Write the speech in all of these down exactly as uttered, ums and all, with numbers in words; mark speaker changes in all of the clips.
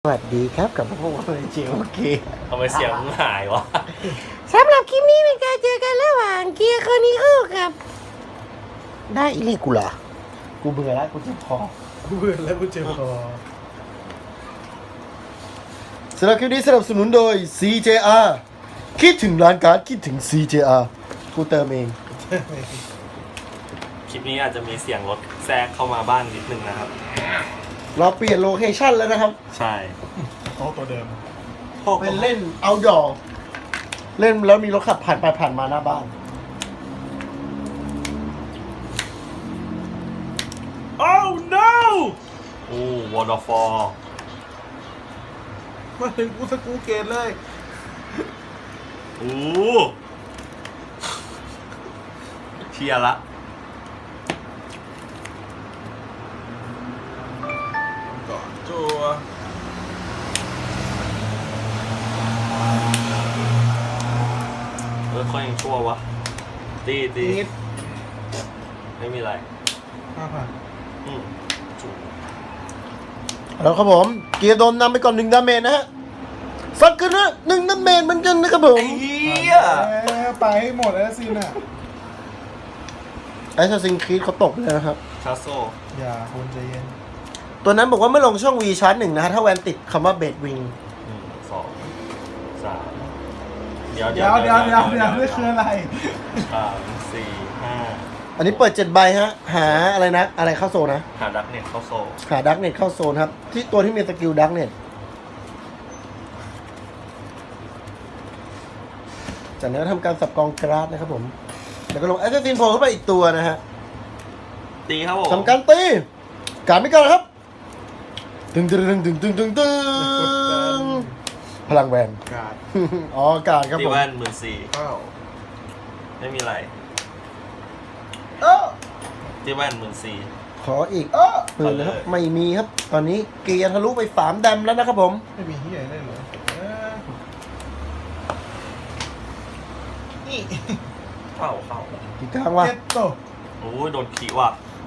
Speaker 1: สวัสดีครับกับพวกเราในเจโอเค
Speaker 2: ทำไมเสียงมึงหายวะ
Speaker 1: สำหรับคลิปนี้เป็นการเจอกันระหว่างเกียร์คอนิโอกับได้อีนี่กูเหรอกูเบื่อแล้วกูเจ็บคอ
Speaker 3: กูเบื่อแล้วกูเจ็บคอ
Speaker 1: สำหรับคลิปนี้สนับสนุนโดย ซี เจ อาร์ คิดถึงร้านการ์ดคิดถึง ซี เจ อาร์ กูเติมเอง
Speaker 2: คลิปนี้อาจจะมีเสียงรถแทรกเข้ามาบ้างนิดนึงนะครับ
Speaker 1: เราเปลี่ยนโลเคชั่นแล้วนะครับ
Speaker 2: ใช่
Speaker 3: โต๊ะตัวเดิม
Speaker 1: เป็นเล่นเอาดอเล่นแล้วมีรถขับผ่านไปผ่านมาหน้าบ้าน
Speaker 3: โอ้ no
Speaker 2: โอ้วอร์ดฟอร์
Speaker 3: มาถึงกูสกูเกตเลย
Speaker 2: โอ้เชียร์ละ
Speaker 3: ก่อนจัว
Speaker 2: เออเขายังชั่ววะตีตี
Speaker 3: นิด
Speaker 2: ไม่มีอะไร
Speaker 3: ห้าพัน
Speaker 2: อืมจุ๊บ
Speaker 1: แล้วครับผมเกียร์โดนนำไปก่อนหนึ่งดาเมจนะฮะสักขึ้นนะหนึ่งดาเมจเหมือนกันนะครับผม
Speaker 2: ไอ้เหี้ย
Speaker 3: แล้วไปให้หมดแล้วสิน่ะ
Speaker 1: ไอ้ซาซิงครีดเขาตกเลยนะครับ
Speaker 2: ชาโซ
Speaker 3: อย่าคนใจเย็น
Speaker 1: ตัวนั้นบอกว่าเมื่อลงช่อง V ชาร์จหนึ่งนะฮะถ้าแวนติดคำว่าเบดวิง
Speaker 2: หนึ่งสองสามเดี๋ยว
Speaker 3: เดี๋ยวเดี๋ยวเดี๋ยวเดี๋ยวนี่คืออะไร
Speaker 2: สามสี่ห้า
Speaker 1: อันนี้เปิดเจ็ดใบฮะ หาอะไรนะ อะไรเข้าโซนนะ
Speaker 2: หาดักเน็ตเข้าโซ
Speaker 1: หาดักเน็ตเข้าโซนครับ ที่ตัวที่มีสกิลดักเน็ตจากนั้นก็ทำการสับกองกราดนะครับผม แล้วก็ลงแอสซินโผล่เข้าไปอีกตัวนะฮะ
Speaker 2: ตีครับผม
Speaker 1: ทำการตีการไม่กันครับตึงตึงตึงตึงตึงตึงตึงพลังแวน
Speaker 3: กาด
Speaker 1: อ๋อการครับ
Speaker 2: ตี
Speaker 1: ผม
Speaker 2: แว่นหมื่นสี่
Speaker 3: เข้า
Speaker 2: ไม่มีอะไร
Speaker 3: เออ
Speaker 2: ตีแว่นหมื่นสี่
Speaker 1: ขออีก
Speaker 3: เออ
Speaker 1: หมื่นนะครับไม่มีครับ ตอนนี้เกียร์ทะลุไปสามแดมแล้วนะครับผม
Speaker 3: ไม่มีเฮียได้เหรอเออนี่
Speaker 2: เข้าเข้า
Speaker 1: กี่กลางวะ
Speaker 3: เจ็ดโต
Speaker 2: โอ้ยโดนขีว่ะ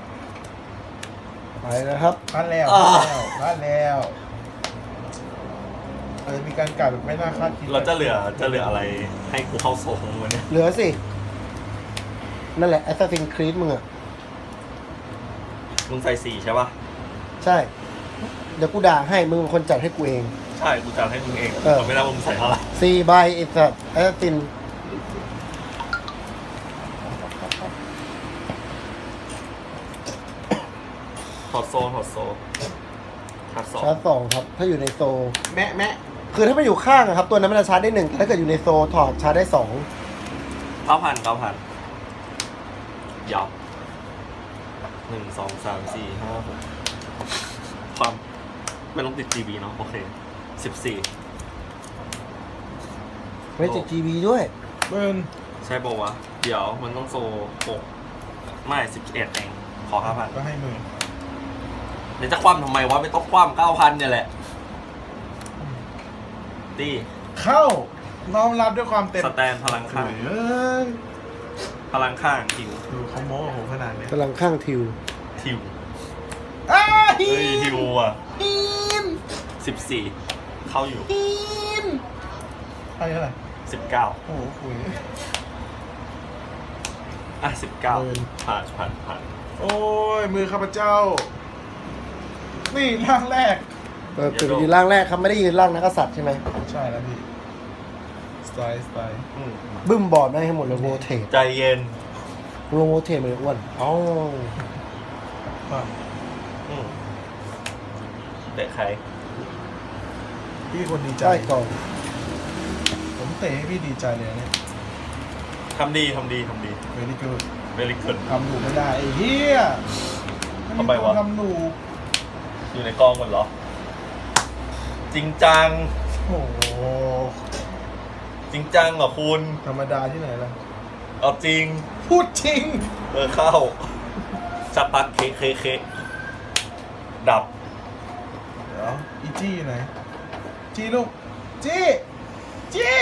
Speaker 1: ไปนะครับ
Speaker 3: พลาดแล้ว
Speaker 2: อ่า
Speaker 3: พลาดแล้วอาจจะมีการกาดแบบไม่น่าคาดคิด
Speaker 2: เราจะเหลือจะเหลืออะไรให้กูเข้าโซ่ของมันเนี่ย
Speaker 1: เหลือสิ นั่นแหละ Assassin's Creed มึงอะ
Speaker 2: มึงใส่สี่ใช่ป่ะ
Speaker 1: ใช่ เดี๋ยวกูด่าให้ มึงเป็นคนจัดให้กูเอง
Speaker 2: ใช่กูจะให้มึงเอง
Speaker 1: เออ
Speaker 2: แต่ไม่ได้ว่ามึงใส่เท่าไหร่
Speaker 1: สี่ใบไอ้สัตว์ Assassin
Speaker 2: ถอดโซนถอดโซนถอดสอง
Speaker 1: ชาร์จสองครับ ถ้าอยู่ในโซ
Speaker 3: แม่แม่
Speaker 1: คือถ้ามันอยู่ข้างอะครับ ตัวนั้นมันจะชาร์จได้หนึ่งแต่ถ้าเกิดอยู่ในโซถอดชาร์จได้สอง
Speaker 2: เก้าพันเก้าพันยับหนึ่งสองสามสี่ห้าหกความไม่ต้องติด จี บี เนาะโอเคสิบสี่
Speaker 1: ไม่ติด จี บี ด้วย
Speaker 3: เบิร์น
Speaker 2: ใช่ป่าวะ เดี๋ยวมันต้องโซหกไม่สิบเอ็ดเองขอห้าพัน
Speaker 3: ก็ให้หมื่น
Speaker 2: เดี๋ยวจะคว่ำทำไมวะไม่ต้องคว่ำเก้าพันเนี่ยแหละตี
Speaker 3: เข้าน้อมรับด้วยความเต็ม
Speaker 2: สแตนพลังข้าง
Speaker 3: เอ้ย
Speaker 2: พลังข้างทิว
Speaker 3: ดูเขาโม้กับผมขนาดเนี้ย
Speaker 1: กำลังข้างทิว
Speaker 2: ทิว
Speaker 3: อ้า
Speaker 2: เฮ้ยทิวอ่ะ
Speaker 3: ฮีน
Speaker 2: สิบสี่เข้าอยู่
Speaker 3: ฮีนอะไรอะไร
Speaker 2: สิบเก้า
Speaker 3: โอ้โหคุย
Speaker 2: อ่ะสิบเก้า
Speaker 3: เกิน
Speaker 2: ผ่านผ่านผ่าน
Speaker 3: โอ้ยมือข้าพเจ้า นี่ร่างแรก
Speaker 1: เออคือยืนล่างแรกครับ ไม่ได้ยืนล่างนักกษัตริย์ใช่ไหม
Speaker 3: ใช่แล้วพี่ สไตล์สไตล์
Speaker 2: อืม
Speaker 1: บึ้มบอร์ดได้ให้หมดเลยโรเทต
Speaker 2: ใจเย็น
Speaker 1: ลงโรเทตมาเลยอ้วนอ๋อ
Speaker 3: ความ
Speaker 2: อืมเตะใคร
Speaker 3: พี่คนดีใจ
Speaker 1: ใช่ก่อน
Speaker 3: ผมเตะให้พี่ดีใจเลยนะเนี่ย
Speaker 2: ทำดีทำดีทำดี
Speaker 3: เวลี่กูด
Speaker 2: เวลิกุน
Speaker 3: ทำหนูไม่ได้ไอ้เหี้ย
Speaker 2: ทำไมวะ
Speaker 3: ทำหนู
Speaker 2: อยู่ในกองกันเหรอ จริงจัง
Speaker 3: โอ้โห
Speaker 2: จริงจังเหรอคุณ
Speaker 3: ธรรมดาที่ไหนล่ะ
Speaker 2: เอาจริง
Speaker 3: พูดจริง
Speaker 2: เออเข้าสักพักเคเคเคดับ
Speaker 3: เดี๋ยวอีจี้อยู่ไหน จี้ลูก จี้ จี้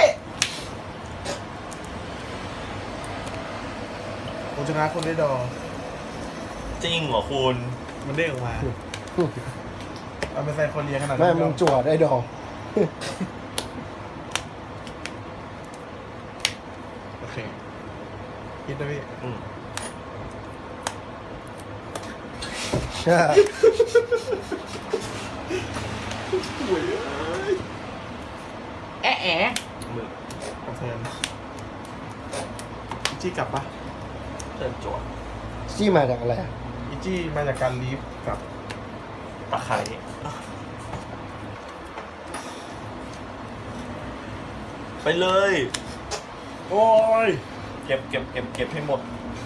Speaker 3: ผมชนะคนได้ดอ
Speaker 2: จริงเหรอคุณ
Speaker 3: มันเด้งออกมาเอาไปไซโคเรียขนาด
Speaker 1: แม่
Speaker 3: นั้น
Speaker 1: มึงจั่วได้ดอก
Speaker 3: โอเคคิดด้วยพี่
Speaker 2: อืม
Speaker 1: ใช่
Speaker 3: ป่วยเอ้ยแอะแอะ
Speaker 2: มือก
Speaker 3: ระเทือนอีจี้กลับปะ
Speaker 2: เติมจั่ว
Speaker 1: จี้มาจากอะไรอะ
Speaker 3: อีจี้มาจากการลีฟกับ
Speaker 2: ตะไคร้ไปเลย โอ้ย เก็บเก็บเก็บเก็บให้หมด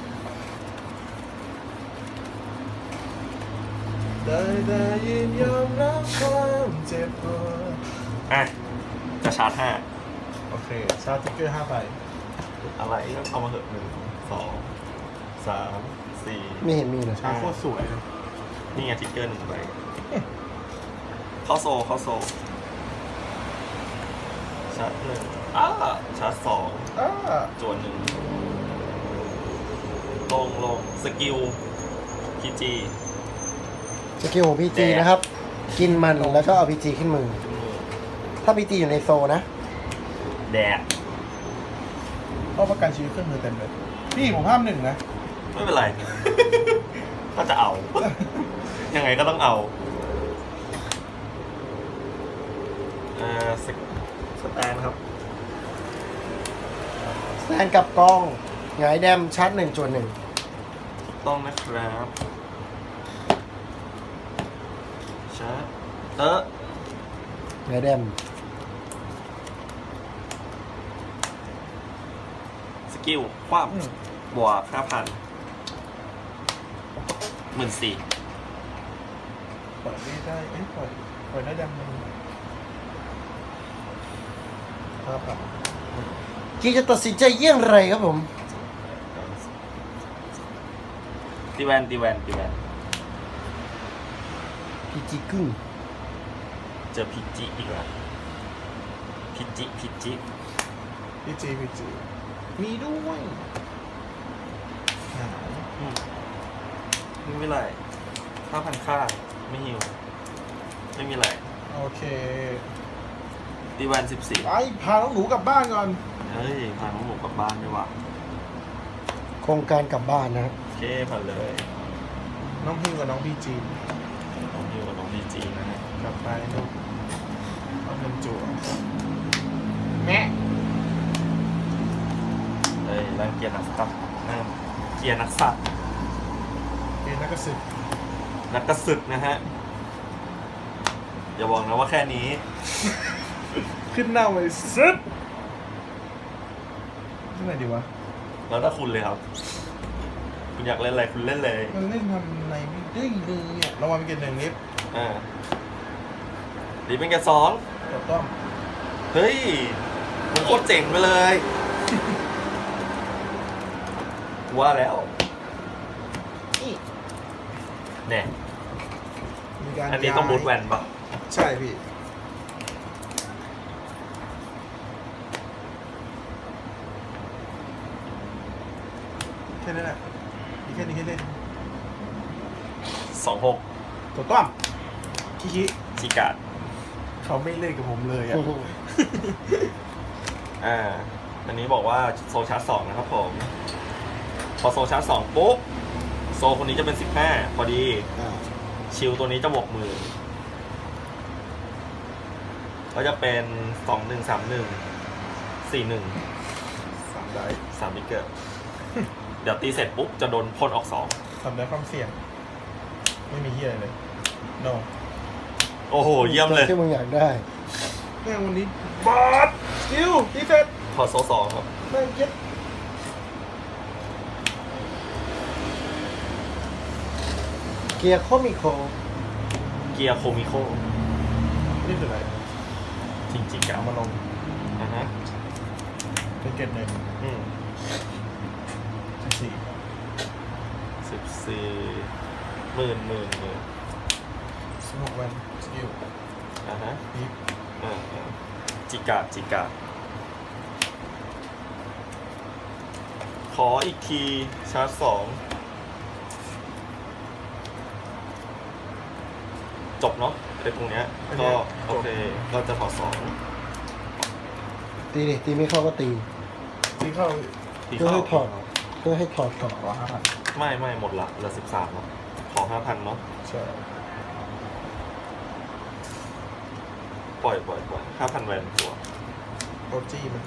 Speaker 3: ได้ได้ยินยอมรับความเจ็บปวด
Speaker 2: อ่ะ จะชาร์จห้า
Speaker 3: โอเค ชาร์จทิกเกอร์ห้าใบ
Speaker 2: อะไรก็เอามาเถอะหนึ่งสองสามสี่
Speaker 1: ไม่เห็นมีเลย
Speaker 3: ชาร์จโคตรสวยเลย
Speaker 2: นี่ไงทิกเกอร์หนึ่งใบเข้าโซเข้าโซชาร์จหนึ่งอ้าชาร์จสอง
Speaker 3: อ่า
Speaker 2: จวนหนึ่งลงลงสกิลพีจี
Speaker 1: สกิลของพีจี
Speaker 2: แดก
Speaker 1: นะครับ กินมันแล้วก็เอาพีจีขึ้นมือ
Speaker 2: ขึ้นมือ
Speaker 1: ถ้าพีจีอยู่ในโซนะ
Speaker 2: แดด
Speaker 3: เอาประกันชีวิตเครื่องมือเต็มเลย พี่ผมห้ามหนึ่งนะ
Speaker 2: ไม่เป็นไร ก็จะเอา ยังไงก็ต้องเอาเอ่อสสแตนครับ
Speaker 1: แซนกับกองหงายแดมชาร์จหนึ่งจวนหนึ่ง
Speaker 2: ถูกต้องนะครับชาร์จเออ
Speaker 1: หงายแดม
Speaker 2: สกิลความ
Speaker 3: อืม
Speaker 2: บวกห้าพันหมื่นสี่
Speaker 3: ปล่อยไม่ได้ เอ้ยปล่อยปล่อยได้ยังไงครับครับ
Speaker 1: กีจะตัดสินใจเยี่ยงไรครับผม
Speaker 2: ตีแวนตีแวนตีแวน
Speaker 1: พีจีครึ่ง
Speaker 2: เจอพิจิอีกแล้วพิจิพิจิ
Speaker 3: พีจีพีจีมีด้วยหาย
Speaker 2: อืมไม่มีไรห้าพันค่าไม่หิว ไม่มีไร
Speaker 3: โอเค
Speaker 2: ตีแวนสิบสี่
Speaker 3: ไปพาน้องหนูกลับบ้านก่อน
Speaker 2: เฮ้ยพาน้องหมูกลับบ้านดีกว่า
Speaker 1: โครงการกลับบ้านนะครับ
Speaker 2: โอเคผ่านเลย
Speaker 3: น้องพิมกับน้องพีจี
Speaker 2: น้องฮิวกับน้องดีจีนะฮะ
Speaker 3: กลับไปลูกเอาเงินจั่วแม่
Speaker 2: เฮ้ยร่างเกียร์นักสัตว์นั่นเกียร์นักสัตว์
Speaker 3: เกณฑ์นักกระสึก
Speaker 2: นักกระสึกนะฮะ อย่าบอกนะว่าแค่นี้
Speaker 3: ขึ้นหน้าไว้ซึบที่ไหนดีวะ
Speaker 2: แล้วถ้าคุณเลยครับ คุณอยากเล่นอะไรคุณเล่นเลย
Speaker 3: มันเล่นทำอะไรไม่ได้เลยเนี่ยระวังเป็นเกณฑ์หนึ่งนิด
Speaker 2: อ่าดีเป็นแกสอง
Speaker 3: กดต้อง
Speaker 2: เฮ้ยมันโคตรเจ๋งไปเลย ว่าแล้ว
Speaker 3: นี่
Speaker 2: แน่
Speaker 3: มีการ
Speaker 2: อันนี้ต้อง
Speaker 3: ย้าย
Speaker 2: บูทแวนปะ
Speaker 3: ใช่พี่แค่นั้นแหละมีแค่นี้ให้เล่น
Speaker 2: สองหก
Speaker 3: กดต้องคิคิ
Speaker 2: ชิกาด
Speaker 3: เขาไม่เล่นกับผมเลยอ่ะ
Speaker 2: อ่า อันนี้บอกว่าโซชาร์จสองนะครับผม พอโซชาร์จสองปุ๊บ โซคนนี้จะเป็นสิบห้าพอดี
Speaker 1: อ่า
Speaker 2: ชิลตัวนี้จะบวกมือ ก็จะเป็นสองหนึ่งสามหนึ่งสี่หนึ่ง
Speaker 3: สามได้
Speaker 2: สามมิเกอร์ เดี๋ยวตีเสร็จปุ๊บ จะโดนพ่นออกสอง
Speaker 3: สามได้ความเสี่ยง ไม่มีเฮียอะไรเลย no
Speaker 2: โอ้โห เยี่ยมเลย
Speaker 1: ที่มึงอยากได้
Speaker 3: แม่งวันนี้บอสสกิลดีเซ็ต
Speaker 2: พอโซสองครับ
Speaker 3: แม่งเย็ด
Speaker 1: เกียร์โคมิโค
Speaker 2: เกียร์โคมิโค
Speaker 3: นี่คืออะไร
Speaker 2: จริงๆ
Speaker 3: เอา
Speaker 2: อ่ะ
Speaker 3: มาลง
Speaker 2: อ่ะฮะ
Speaker 3: เป็นเกตหนึ่ง
Speaker 2: อืม
Speaker 3: สิบสี่
Speaker 2: สิบสี่หมื่นหมื่นหมื่น
Speaker 3: สิบหกวันสกิล
Speaker 2: อ่ะฮะ
Speaker 3: นี่
Speaker 2: อ่าอ่าจิกาจิกาขออีกที ชาร์จสองจบเนาะเป็นตรงเนี้ยก็โอเคก็จะถอดสอง
Speaker 1: ตีดิตีไม่เข้าก็ตี
Speaker 3: ที่เข้า
Speaker 2: ที่
Speaker 1: เพื่อ
Speaker 2: เข้า
Speaker 1: ให้ถอดเพื่อให้ถอดก่อน
Speaker 3: ขอห้าพัน
Speaker 2: ไม่ไม่หมดละเหลือสิบสามเนาะขอห้าพันเนาะ
Speaker 3: ใช่
Speaker 2: ปล่อยปล่อยปล่อยห้าพันแวนตัว
Speaker 3: โอจี้มัน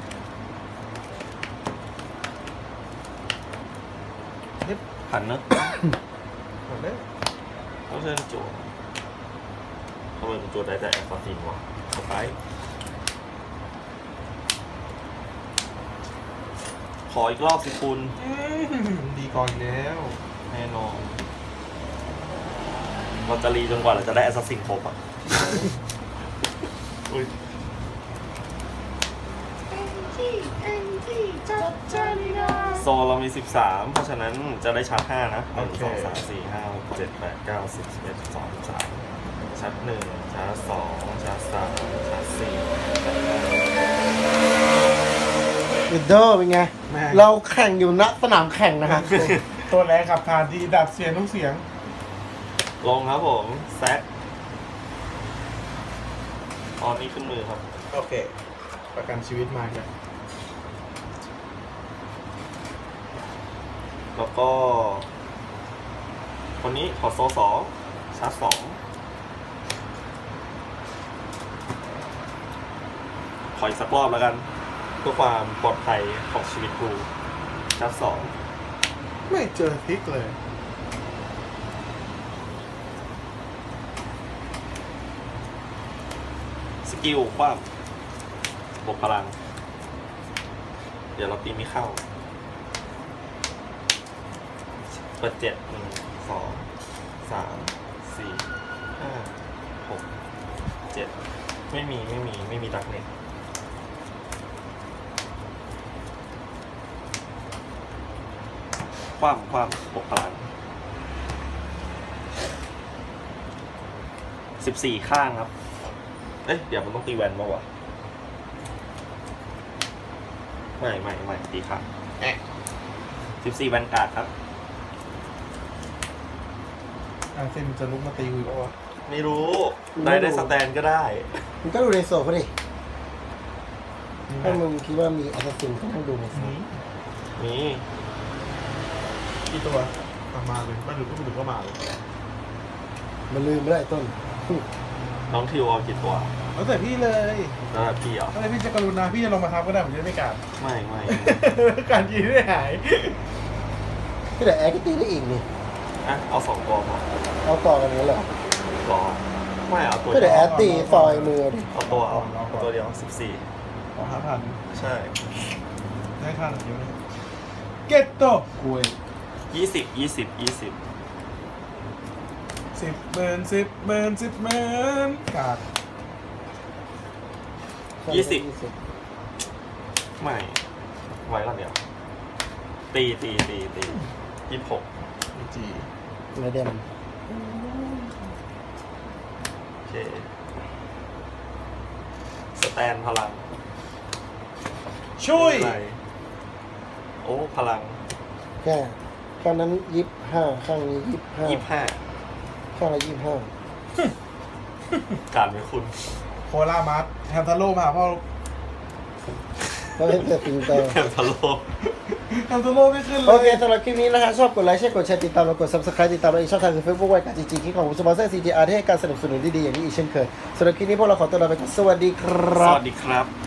Speaker 2: พันเนอะ
Speaker 3: หมดเลย
Speaker 2: ต้องเชิญจั่วทำไมเป็นจั่วได้แต่แอสซัสซินวะสไปร์ขออีกรอบสิคุณ
Speaker 3: อืมดีก่อนอีกแล้ว
Speaker 2: แน่นอนเราจะรีจนกว่าเราจะได้แอสซัสซินครบอ่ะ อุ้ยโซนเรามีสิบสามเพราะฉะนั้นจะได้ชาร์จห้านะหนึ่งสองสามสี่ห้าหกเจ็ดแปดเก้าสิบสิบเอ็ดสิบสองสิบสามชาร์จหนึ่งชาร์จสองชาร์จสามชาร์จสี่ชาร์จห้า
Speaker 1: วิดโดเป็นไง
Speaker 3: แม่ง
Speaker 1: เราแข่งอยู่ณสนามแข่งนะฮะ
Speaker 3: ตัวแรงขับผ่านดีดับเสียงทุกเสียง
Speaker 2: ลงครับผมแซกตอนนี้ขึ้นมือครับ
Speaker 3: โอเค ประกันชีวิตมาเนี่ย
Speaker 2: แล้วก็ คนนี้ขอโซสองชาร์จสองขออีกสักรอบแล้วกัน เพื่อความปลอดภัยของชีวิตกูชาร์จสอง
Speaker 3: ไม่เจอพลิกเลย
Speaker 2: สกิลความบวกพลัง เดี๋ยวเราตีไม่เข้า เปิดเจ็ดหนึ่งสองสามสี่ห้าหกเจ็ดไม่มีไม่มีไม่มีดักเน็ตความความบวกพลังสิบสี่ข้างครับ เอ๊ะ เดี๋ยวมันต้องตีแวนมาวะไม่ไม่ไม่ตีข้างสิบสี่แวนการ์ดครับ
Speaker 3: อาเซนจะลุกมาตีกูอีกแล้ววะ
Speaker 2: ไม่รู้ ได้ได้สแตนก็ได้
Speaker 1: มึงก็ดูในโซเขาดิถ้ามึงคิดว่ามีแอสซัสซินก็ต้องดูในโซ
Speaker 3: นี่
Speaker 2: นี่
Speaker 3: กี่ตัวเอามาเลยไม่รู้ก็ไม่รู้ก็มาเลย
Speaker 1: มันลืมไม่ได้ต้น
Speaker 2: น้องทิวเอากี่ตัว
Speaker 3: แล้วแต่พี่เลย
Speaker 2: แล้วพี่เหรอ
Speaker 3: อะไรพี่จะกรุณาพี่จะลงมาทับก็ได้ผมจะได้ไม่กัด
Speaker 2: ไม่ไม่
Speaker 3: การยิงได้หาย
Speaker 1: ก็แต่แอร์ก็ตีได้อีกนี่
Speaker 2: อ่ะ เอาสองตัวพอ
Speaker 1: เอาต่อกันนี้เหรอ
Speaker 2: รอไม่เอาตัว
Speaker 1: ก็
Speaker 2: เดี
Speaker 1: แต่
Speaker 2: ยว
Speaker 1: แอร์ตีซอยมือดิ
Speaker 2: เอาตัวเอาตัวเดียวสิบสี่
Speaker 3: ขอห้าพัน
Speaker 2: ใช่
Speaker 3: ได้ค่าหนึ่งเดียวเลยเก็ตโตคุย
Speaker 2: ยี่สิบยี่สิบยี่สิบ
Speaker 3: สิบหมื่นสิบหมื่นสิบหมื่นกัด
Speaker 2: ยี่สิบไม่ ไว้ละเดียว ตีตีตีตียี่สิบหก
Speaker 3: มีจี
Speaker 1: ไม่เดม
Speaker 2: โอเค สแตนพลัง
Speaker 3: ช่วย
Speaker 2: อะไรโอ้ พลัง
Speaker 1: แค่ข้างนั้นยี่สิบห้าข้างนี้ยี่สิบห้า
Speaker 2: ยี่สิบห้า
Speaker 1: ข้างละยี่สิบห้า
Speaker 2: การไม่คุณ
Speaker 3: โคลามัสแฮมทาโร่มาหาพ่อ
Speaker 1: แล้วเป็นแต่ติงเตอร์
Speaker 2: แคมทาโล
Speaker 3: แฮมทาโร่ไม่ขึ้นเลย
Speaker 1: โอเคสำหรับคลิปนี้นะฮะชอบกดไลค์ใช่กดแชร์ติดตามเรากด subscribe ติดตามเราอีกช่องทางคือ Facebook ไว้กับจริงๆคลิปของสปอนเซอร์ ซี จี อาร์ ที่ให้การสนับสนุนดีๆอย่างนี้อีกเช่นเคยสำหรับคลิปนี้พวกเราขอตัวลาไปก่อนสวัสดีค
Speaker 2: ส
Speaker 1: รับ
Speaker 2: วัสดีครับ